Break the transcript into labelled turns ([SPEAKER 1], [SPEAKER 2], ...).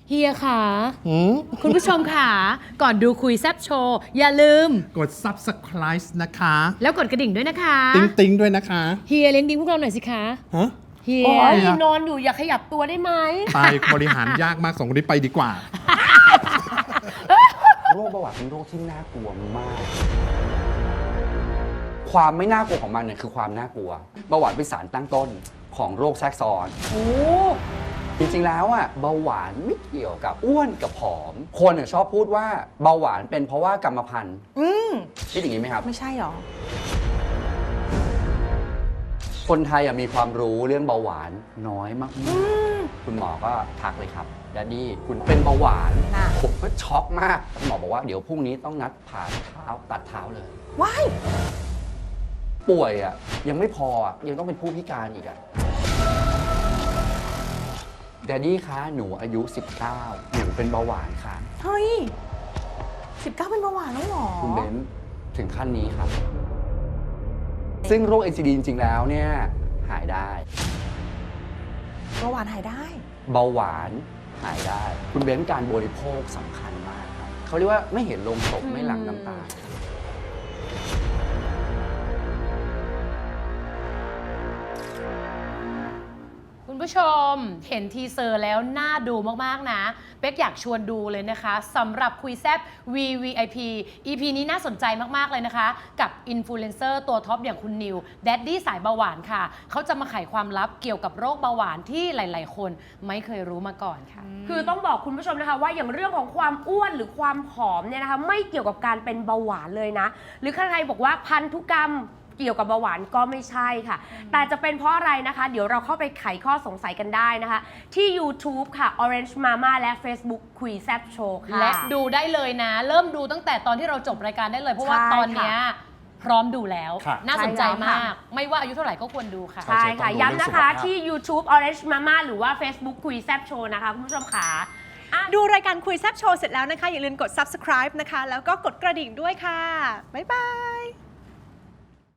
[SPEAKER 1] เฮียค่ะคุณผู้ชมค่ะก่อนดูคุยแซบโชว์อย่าลืม
[SPEAKER 2] กด subscribe นะคะ
[SPEAKER 1] แล้วกดกระดิ่งด้วยนะคะ
[SPEAKER 2] ติ๊งด้วยนะคะ
[SPEAKER 1] เฮียเลี้ยงดิ้งพวกเราหน่อยสิคะ
[SPEAKER 2] ฮะ
[SPEAKER 1] เฮี
[SPEAKER 2] โอ้
[SPEAKER 1] ย
[SPEAKER 2] ย
[SPEAKER 1] นอนอยู่อย่าขยับตัวได้ไหม
[SPEAKER 2] ไปบริหารยากมากสองคนนี้ไปดีกว่า
[SPEAKER 3] โรคเบาหวานเป็นโรคที่น่ากลัวมาก ความไม่น่ากลัวของมันเนี่ยคือความน่ากลัวเบาหวานเป็นสารตั้งต้นของโรคแทรกซ้อน
[SPEAKER 1] โอ้
[SPEAKER 3] จริงๆแล้วอ่ะเบาหวานไม่เกี่ยวกับอ้วนกับผอม คนชอบพูดว่าเบาหวานเป็นเพราะว่ากรรมพันธุ์คิดอย่างนี้ไหมครับ
[SPEAKER 4] ไม่ใช่หรอ
[SPEAKER 3] คนไทยมีความรู้เรื่องเบาหวานน้อยมากๆคุณหมอก็ทักเลยครับแดดดี้คุณเป็นเบาหวาน
[SPEAKER 4] ค่ะ
[SPEAKER 3] ผมก็ช็อกมากคุณหมอบอกว่าเดี๋ยวพรุ่งนี้ต้องนัดผ่าเท้าตัดเท้าเลย
[SPEAKER 4] ว้าย
[SPEAKER 3] ป่วยอ่ะยังไม่พออ่ะยังต้องเป็นผู้พิการอีกอ่ะแดดดี้คะหนูอายุ 19 หนูเป็นเบาหวานค่ะ
[SPEAKER 4] เฮ้ย19เป็นเบาหวานแล้วเหรอ
[SPEAKER 3] คุณเบนซ์ถึงขั้นนี้ครับ ซึ่งโรค NCD จริงๆแล้วเนี่ยหายได้
[SPEAKER 4] เบาหวานหายได้
[SPEAKER 3] เบาหวานหายได้ คุณเบนซ์การบริโภคสำคัญมากครับเขาเรียกว่าไม่เห็นลงศพไม่หลั่งน้ำตา
[SPEAKER 1] คุณผู้ชมเห็นทีเซอร์แล้วน่าดูมากๆนะเป๊กอยากชวนดูเลยนะคะสำหรับคุยแซบ VVIP EP นี้น่าสนใจมากๆเลยนะคะกับอินฟลูเอนเซอร์ตัวท็อปอย่างคุณนิวแดดดี้สายเบาหวานค่ะเขาจะมาไขความลับเกี่ยวกับโรคเบาหวานที่หลายๆคนไม่เคยรู้มาก่อนค่ะ
[SPEAKER 5] คือต้องบอกคุณผู้ชมนะคะว่าอย่างเรื่องของความอ้วนหรือความผอมเนี่ยนะคะไม่เกี่ยวกับการเป็นเบาหวานเลยนะหรือใครๆบอกว่าพันธุกรรมเกี่ยวกับเบาหวานก็ไม่ใช่ค่ะแต่จะเป็นเพราะอะไรนะคะเดี๋ยวเราเข้าไปไขข้อสงสัยกันได้นะคะที่ YouTube ค่ะ Orange Mama และ Facebook คุยแซบโชว์ค่ะ
[SPEAKER 1] และดูได้เลยนะ เริ่มดูตั้งแต่ตอนที่เราจบรายการได้เลย เพราะว่า
[SPEAKER 5] ใช่
[SPEAKER 1] ตอนเนี้ยพร้อมดูแล้ว
[SPEAKER 2] ค่ะ
[SPEAKER 1] น่าสนใจ
[SPEAKER 5] ใช่แล้วค่ะ
[SPEAKER 1] มาก ไม่ว่าอายุเท่าไหร่ก็ควรดูค่ะ
[SPEAKER 5] ใช่ค่ะ
[SPEAKER 2] ต้องดู
[SPEAKER 5] ย้ำนะคะ
[SPEAKER 2] เรื่องสุขภาพ
[SPEAKER 5] ที่ YouTube Orange Mama หรือว่า Facebook คุยแซบโชว์นะคะคุณผู้ชมค่ะ
[SPEAKER 4] ดูรายการคุยแซบโชว์เสร็จแล้วนะคะ อย่าลืมกด subscribe นะคะ แล้วก็กดกระดิ่งด้วยค่ะ บ๊ายบาย